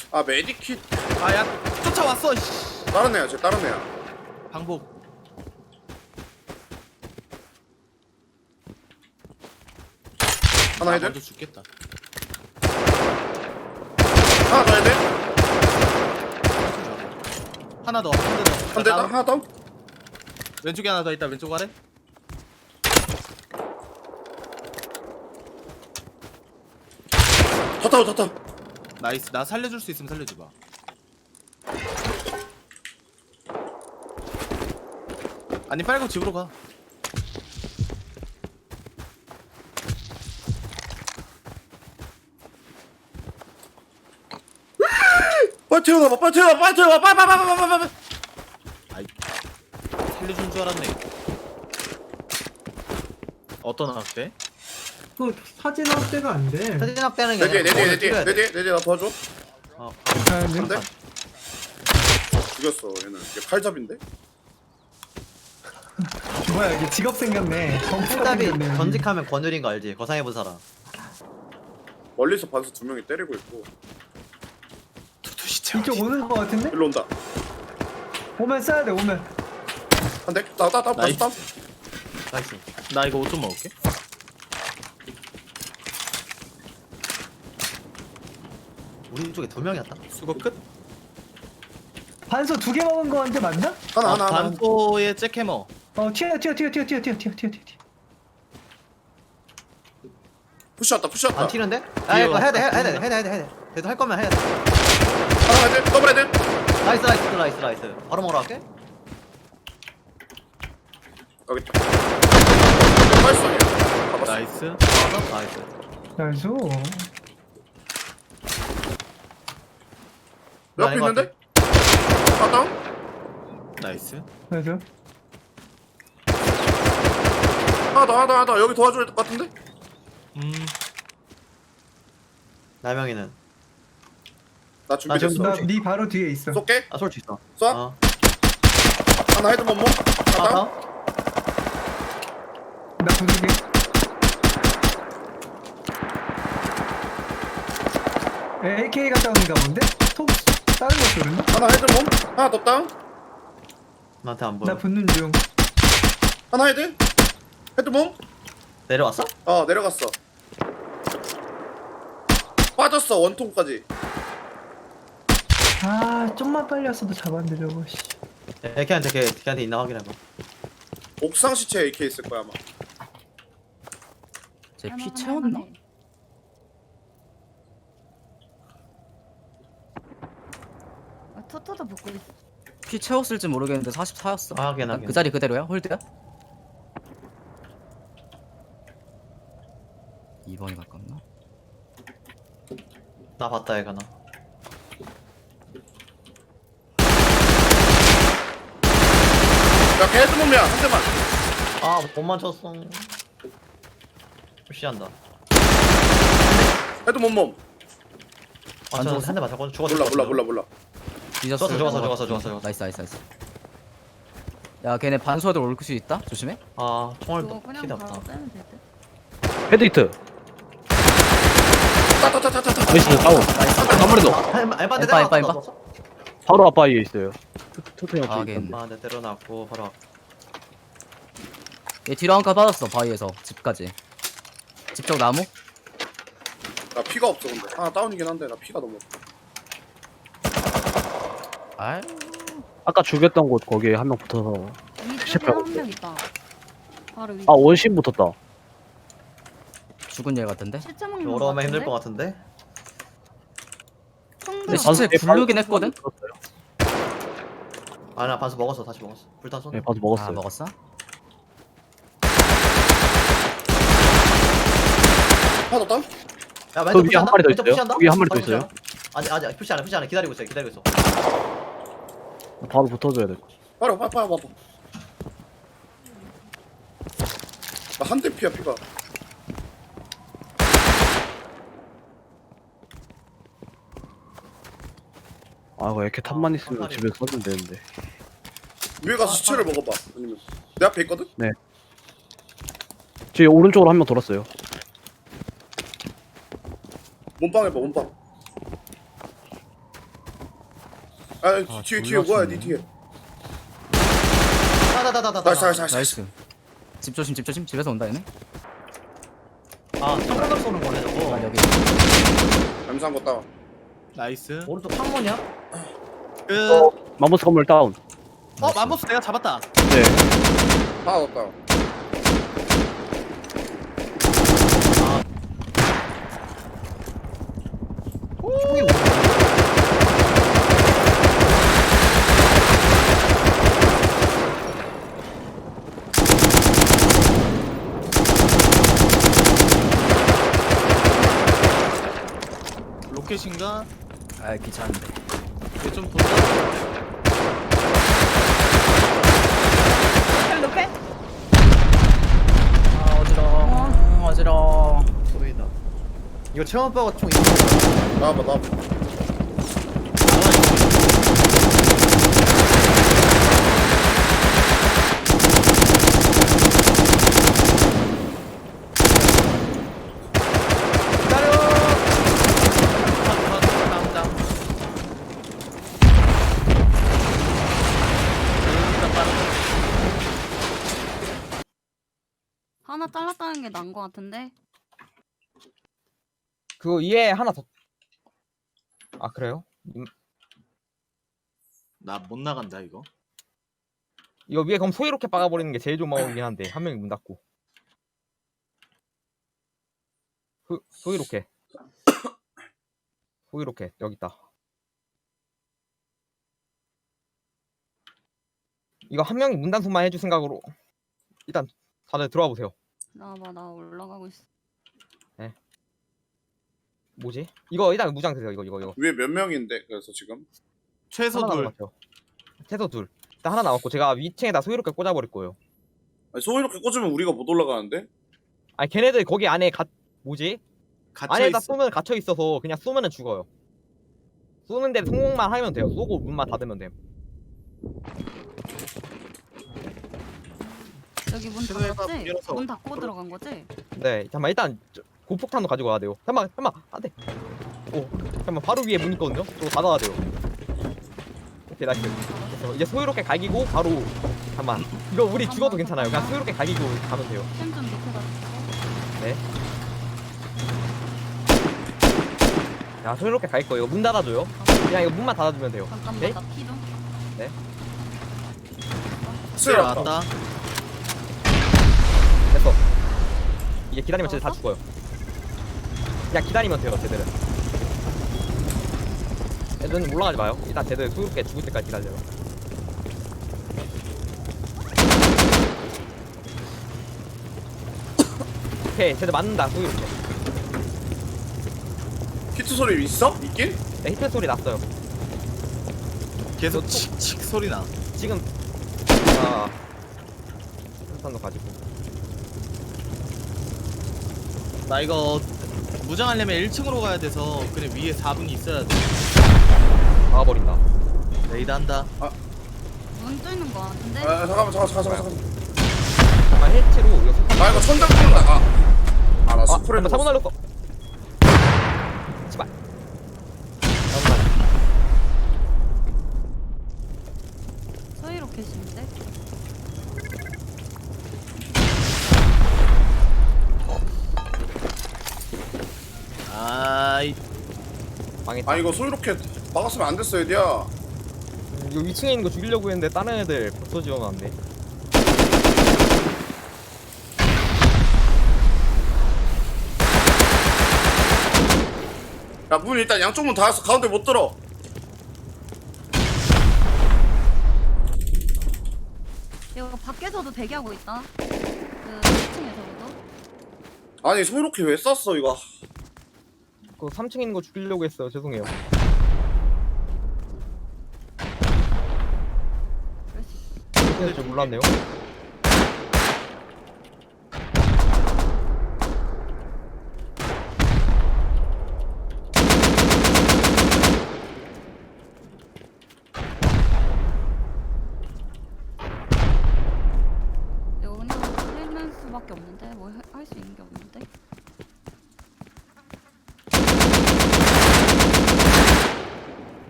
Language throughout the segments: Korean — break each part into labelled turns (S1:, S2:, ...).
S1: 아 메디킷
S2: 아야 쫓아왔어. 씨.
S1: 다른 애야 쟤 다른 애야.
S2: 방복.
S1: 하나 해야 돼?
S2: 먼저 죽겠다.
S1: 하나 더 해야 돼?
S2: 하나 더. 한 대 더.
S1: 한 대 더? 하나 더?
S2: 왼쪽에 하나 더 있다. 왼쪽 아래.
S1: 더 타고 더 타.
S2: 나이스. 나 살려줄 수 있으면 살려줘봐. 아니 빨고 집으로 가.
S1: 빨리 태어나봐 빨리 태어나봐 빨리 태어나봐 빨리.
S2: 아이 살려준 줄 알았네. 어떤 학대?
S3: 그 사진 확대가 안 돼.
S4: 사진 확대하는 게
S1: 내 뒤에 내 뒤에 내 뒤에
S4: 찍어야 돼.
S1: 내 뒤에 내 뒤에 나 도와줘.
S2: 어.
S1: 한 대? 죽였어 얘는. 얘 칼잡인데?
S3: 뭐야 이게 직업 생겼네.
S4: 풀답이 전직하면 권율인 거 알지? 거상해본 사람.
S1: 멀리서 반수 두 명이 때리고 있고.
S3: 이쪽 오는 거 같은데?
S1: 일로 온다.
S3: 오면 쏴야 돼 오면.
S1: 한 대? 나다
S2: 나이스.
S1: 다음.
S4: 나이스.
S2: 나 이거 옷 좀 먹을게.
S4: 우리 쪽에 두 명이었다.
S2: 수거 끝.
S3: 반소 2개 먹은 거한테 맞나?
S1: 하나.
S2: 반포의 잭해머.
S3: 튀어.
S1: 푸시왔다 푸시왔다.
S4: 안 튀는데? 아 이거 해야 돼. 그래도 할 거면 해야 돼.
S1: 하나 해야 돼? 더블 해야 돼?
S4: 나이스. 바로 먹으러 갈게.
S1: 여기 있다. 빨리 잡았어.
S2: 나이스.
S4: 나이스.
S3: 나이스.
S1: 옆에
S4: 아닌 것
S1: 있는데? 하나 다운?
S2: 나이스.
S3: 나이스.
S1: 하나 더. 여기 도와줘야 될 것 같은데?
S4: 나명이는.
S1: 나 준비됐어.
S3: 나네 바로 뒤에 있어.
S1: 쏠게.
S4: 아 솔직 있어.
S1: 쏴.
S4: 어.
S1: 하나 헤드 몸몸. 하나 다운.
S3: 나 부수게. AK가 다운인가 본데? 톡 다른 거 쏘는데?
S1: 하나 헤드 몸. 하나 더 다운.
S4: 나한테 안 보여.
S3: 나 붙는 중.
S1: 하나 헤드. 헤드 몸.
S4: 내려왔어?
S1: 내려갔어. 빠졌어 원통까지.
S3: 아 좀만 빨리 왔어도 잡았는데 저거. 씨.
S4: 걔한테 있나 확인해봐.
S1: 옥상 시체 AK 있을 거야 아마.
S5: 쟤 피 채웠나?
S6: 토토도 붙고 있어.
S5: 피 채웠을지 모르겠는데 44였어.
S4: 아, 확인.
S5: 그 자리 그대로야? 홀드야? 2번이 가깝나?
S4: 나 봤다 얘가 나.
S1: 야 걔 헤드 몸이야 한 대만.
S4: 못 맞췄어. 푸시한다.
S1: 헤드 몸몸.
S4: 맞췄는데 한대 맞췄거든. 죽었어.
S1: 몰라.
S5: 뒤졌어.
S4: 죽었어.
S5: 나이스. 야 걔네 반소들 올 수 있다? 조심해.
S4: 총알
S6: 그거 그냥
S4: 필요
S6: 바로
S4: 없다.
S6: 빼면 될 듯.
S7: 헤드히트
S1: 따따따따따.
S7: 나이스 다운 아무래도
S4: 알바한테
S5: 알바.
S4: 때려놨어.
S7: 바로 앞바위에 있어요 토토
S5: 아,
S7: 형
S5: 걔.
S4: 네 때려놨고 바로.
S5: 얘 뒤로 한 칸 빠졌어 바위에서 집까지. 집 쪽 나무?
S1: 나 피가 없어 근데. 하나 다운이긴 한데 나 피가 너무 없어.
S5: 아
S7: 아까 죽였던 곳 거기에 한 명 붙어서
S6: 위쪽에
S7: 실패하고
S6: 한 명 있다. 바로 위.
S7: 원심 붙었다
S5: 죽은 일 같은데?
S6: 실제 먹는 거
S4: 올라오면 힘들
S6: 같은데?
S4: 것 같은데.
S5: 근데
S6: 총도
S5: 시체 굴르긴 했거든?
S4: 나 반수 먹었어. 다시 먹었어. 불탄 쏜.
S7: 네 봐서 먹었어요
S5: 아 먹었어?
S1: 하나 더 다운?
S4: 야,
S7: 그 위에 한 마리 더 있어요? 거기 한 마리 더 있어요?
S4: 아직 푸시 안 해. 기다리고 있어.
S7: 바로 붙어줘야 돼
S1: 빨리 봐봐. 나 한 대 피야 피가.
S7: 이거 이렇게 탑만 있으면 집에 써주면 되는데
S1: 위에 가서 시체를 먹어봐. 아니면 내 앞에 있거든?
S7: 저기 오른쪽으로 한 명 돌았어요
S1: 몸빵 해봐 몸빵. 아 뒤에 뭐야 니 뒤에.
S4: 다다다다다.
S1: 나이스.
S5: 나이스. 집 조심 집 조심. 집에서 온다 얘네.
S2: 아 창문으로 쏘는 거네
S5: 아
S2: 저거.
S5: 여기.
S1: 잠수한 거 따.
S2: 나이스.
S4: 오른쪽 창문이야?
S2: 끝.
S7: 마모스 건물 다운.
S2: 맘보스 내가 잡았다.
S7: 네.
S1: 하나 더 따.
S2: 로켓인가?
S5: 아 귀찮은데.
S2: 이거 좀 본다.
S5: 아 어지러워. 어지러워.
S2: 보이다.
S4: 이거 체험 오빠가 총 있는
S1: 나와봐.
S6: 하나 잘랐다는 게 나은 거 같은데.
S8: 그거 위에 하나 더. 아 그래요?
S2: 나 못 나간다 이거.
S8: 이거 위에 그럼 소이롭게 박아버리는 게 제일 좋은 방법이긴 한데 한 명이 문 닫고. 소이롭게. 소이롭게 여기 있다. 이거 한 명이 문 단속만 해줄 생각으로 일단 다들 들어와 보세요.
S6: 나봐 나 올라가고 있어.
S8: 뭐지? 이거 일단 무장 드세요. 이거.
S1: 위에 몇 명인데 그래서 지금?
S2: 최소
S8: 하나
S2: 둘.
S8: 남았죠. 최소 둘. 일단 하나 남았고 제가 위층에다 소이롭게 꽂아버릴 거예요.
S1: 아니 소 이렇게 꽂으면 우리가 못 올라가는데?
S8: 아니 걔네들 거기 안에 뭐지?
S2: 갇혀
S8: 안에다
S2: 있어.
S8: 쏘면 갇혀 있어서 그냥 쏘면은 죽어요. 쏘는데 성공만 하면 돼요. 쏘고 문만 닫으면 돼요.
S6: 여기 문
S2: 최소한
S6: 닫았지?
S2: 열어서.
S6: 문 닫고 들어간 거지?
S8: 네, 잠깐만 일단 고폭탄도 가지고 와야 돼요. 잠깐만, 안 돼. 오, 잠깐만 바로 위에 문 있거든요. 저거 닫아야 돼요. 오케이, 나이스. 됐어. 이제 소유롭게 갈기고 바로 잠깐만. 이거 우리 죽어도 괜찮아요. 그냥 소유롭게 갈기고 가면 돼요.
S6: 템좀 높여다.
S8: 네. 자, 소유롭게 갈 거예요. 문 닫아줘요. 그냥 이거 문만 닫아주면 돼요.
S6: 잠깐만
S8: 네?
S6: 나 피 좀.
S2: 스웨 왔다.
S8: 됐어. 이제 기다리면 쟤들 다 죽어요. 그냥 기다리면 돼요, 쟤들은. 애들은 올라가지 마요. 일단 쟤들 소유롭게 죽을 때까지 기다려요. 오케이, 쟤들 맞는다, 소유롭게.
S1: 히트 소리 있어? 있긴?
S8: 네, 히트 소리 났어요.
S2: 계속 칙칙 소리 나.
S8: 지금, 아, 탄도 가지고.
S2: 나 이거 무장하려면 1층으로 가야 돼서 그래 위에 4분이 있어야 돼.
S8: 막아버린다.
S2: 레이드 한다.
S6: 문 뚫는 거 같은데?
S1: 아 잠깐만.
S8: 잠깐 해체로 이거 속
S1: 나 이거 천장 뚫는다. 아나 스프레이
S8: 잠깐 사고
S1: 먹었어.
S8: 날렸어. 제발. 사고 날렸어.
S6: 서희 로켓인데?
S2: 아이
S8: 망했다.
S1: 아 이거 소 이렇게 막았으면 안 됐어 얘들아.
S8: 이거 위층에 있는 거 죽이려고 했는데 다른 애들 벌써 지어면 안 돼.
S1: 야 문 일단 양쪽 문 닫았어. 가운데 못 들어.
S6: 이거 밖에서도 대기하고 있다. 그 1층에서도.
S1: 아니 소 이렇게 왜 쐈어 이거?
S8: 그 3층에 있는 거 죽이려고 했어요. 죄송해요.
S6: 그럴 수 있어.
S8: 그렇게 될 줄 몰랐네요.
S6: 이거 그냥 살릴 수밖에 없는데 뭐 할 수 있는 게 없는데.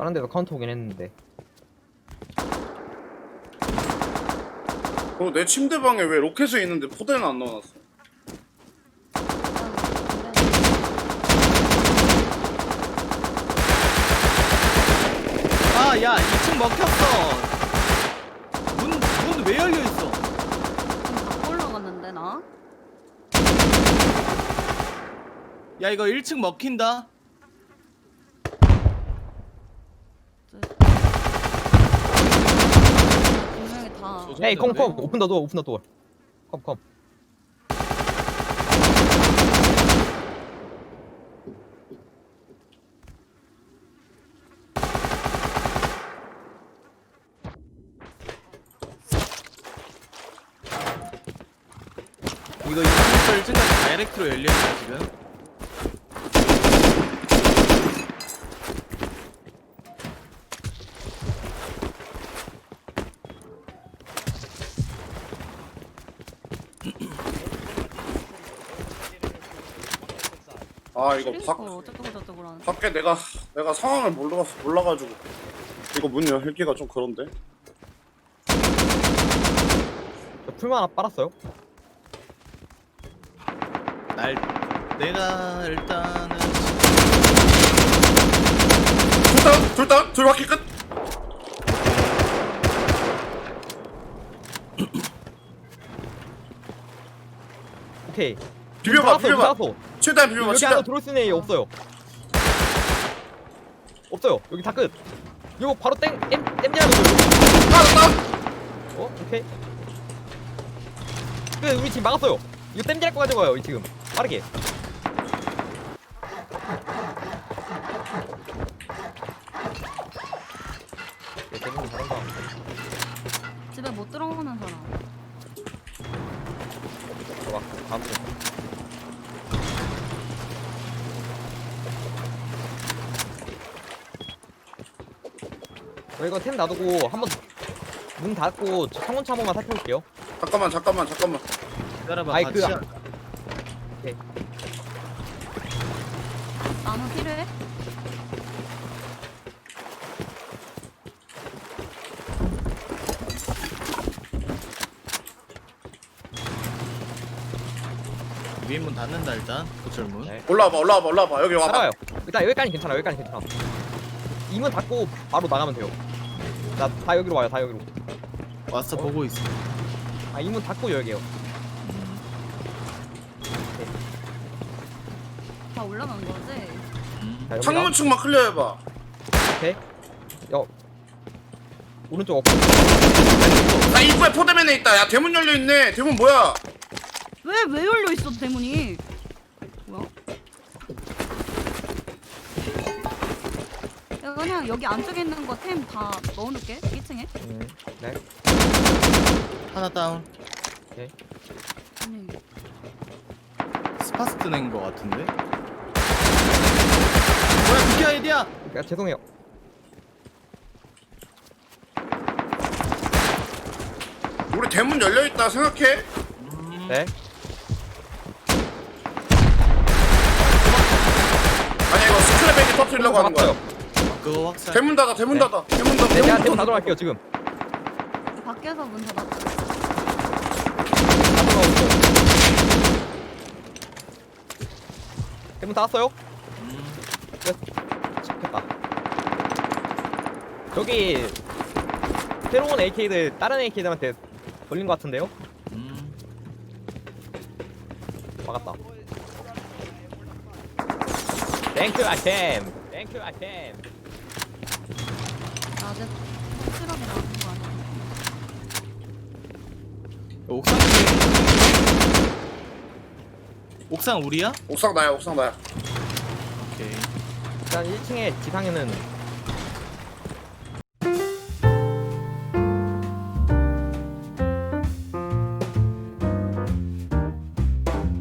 S8: 다른 데도 카운터 오긴 했는데.
S1: 내 침대방에 왜 로켓이 있는데 포대는 안 넣어놨어?
S2: 아, 야, 2층 먹혔어. 문 왜 열려 있어?
S6: 지금 다 올라갔는데 나?
S2: 야, 이거 1층 먹힌다.
S6: 분명히 다.
S8: 에이 컴 오픈 더 도어 오픈 더 도어. 컴.
S2: 이거 2층부터 1층까지 다이렉트로 열려 있어 지금.
S1: 아 이거
S6: 어쩌고 저쩌고 하는.
S1: 밖에 내가 상황을 몰라가지고 이거 문 열기가 좀 그런데.
S8: 저 풀만 하나 빨았어요.
S2: 내가 일단은
S1: 둘 바퀴 끝.
S8: 오케이.
S1: 비벼봐.
S8: 닫았어.
S1: 최대한 비벼봐.
S8: 여기
S1: 최대한.
S8: 안에 들어올 수 있는 애 없어요. 없어요. 여기 다 끝. 이거 바로 땜질하는 거예요.
S1: 다운.
S8: 오케이. 우리 지금 막았어요. 이거 땜질할 거 가져가요. 이 지금 빠르게. 대부분 잘한다.
S6: 집에 못 들어오는 사람.
S8: 좋아. 다음 주. 저 이거 템 놔두고 한번 문 닫고 창문차 한 번만 살펴볼게요.
S1: 잠깐만.
S2: 기다려봐.
S8: 아이,
S2: 같이
S8: 그-
S2: 하자.
S6: 나무 필요해?
S2: 위에 문 닫는다 일단. 고철문.
S8: 네.
S1: 올라와봐. 여기 와봐.
S8: 따라와요. 일단 여기까지 괜찮아. 이 문 닫고 바로 나가면 돼요. 다 여기로 와요. 다 여기로.
S2: 왔어 보고 있어.
S8: 아, 이 문 닫고 열게요.
S6: 다 올라간 거지?
S8: 자, 여기랑.
S1: 창문 측만 클리어해봐.
S8: 오케이. 오른쪽 없고.
S1: 나 입구에 포대맨에 있다. 야 대문 열려 있네. 대문 뭐야?
S6: 왜 열려 있어 대문이? 뭐야? 야 그냥 여기 안쪽에 있는 거 템 다 넣어놓을게 1층에.
S8: 네.
S2: 하나 다운.
S6: 아니
S2: 스파스트 낸거 같은데. 뭐야 그게 아이디야?
S8: 야, 죄송해요.
S1: 우리 대문 열려 있다 생각해.
S8: 네.
S1: 아니 이거 스크랩백이 터뜨리려고 하는 거야.
S2: 그거 확산.
S1: 대문 닫아. 대문
S8: 네.
S1: 닫아.
S8: 네, 제가 대문 닫으러 갈게요, 지금.
S6: 밖에서 문 닫았어.
S8: 닫으러 오고. 대문 닫았어요? 좋겠다. 저기 새로운 AK들 다른 AK들한테 걸린 것 같은데요? 막았다. 땡큐 아템.
S6: 아직 확실하게 나온 거 아니야?
S2: 옥상. 옥상 우리야?
S1: 옥상 나야.
S2: 오케이.
S8: 일단 1층에 지상에는